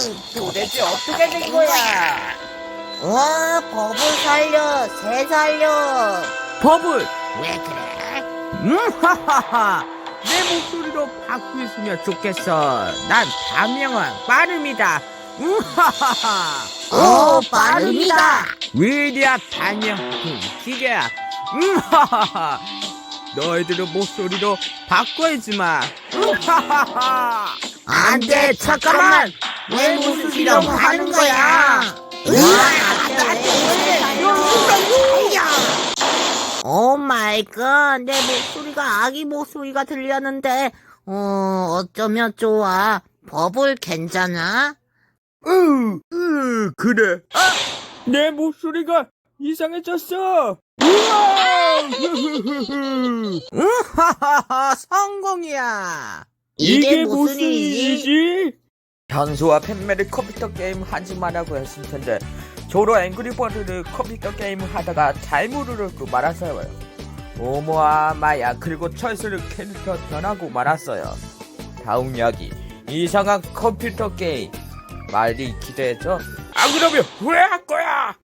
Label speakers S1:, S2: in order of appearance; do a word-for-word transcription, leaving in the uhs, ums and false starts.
S1: 도대체 어떻게 된 거야?
S2: 와, 버블 살려, 새 살려.
S3: 버블!
S2: 왜 그래?
S3: 음, 하하하! 내 목소리로 바꾸었으면 좋겠어. 난 단명한 빠름이다. 음, 하하하!
S2: 오, 빠릅니다.
S3: 위대한 단명한 기계야. 음, 하하하! 너희들의 목소리로 바꿔야지마. 음, 하하하!
S2: 안 돼, 잠깐만. 왜 무슨 이라고 하는 거야? 으아, 오 마이 갓, 내 목소리가 아기 목소리가 들렸는데, 어, 어쩌면 좋아. 버블 괜찮아?
S3: 으, 으, 그래. 아! 내 목소리가 이상해졌어. 우와! 으하하하, 성공이야.
S2: 이게 무슨 일이지?
S1: 현수와 팬매를 컴퓨터 게임 하지 말라고 했을 텐데 저로 앵그리버드를 컴퓨터 게임을 하다가 잘못 누르고 말았어요. 오모와 마야 그리고 철수를 캐릭터 변하고 말았어요. 다음 이야기 이상한 컴퓨터 게임 많이 기대해줘. 안 그러면 후회할 거야.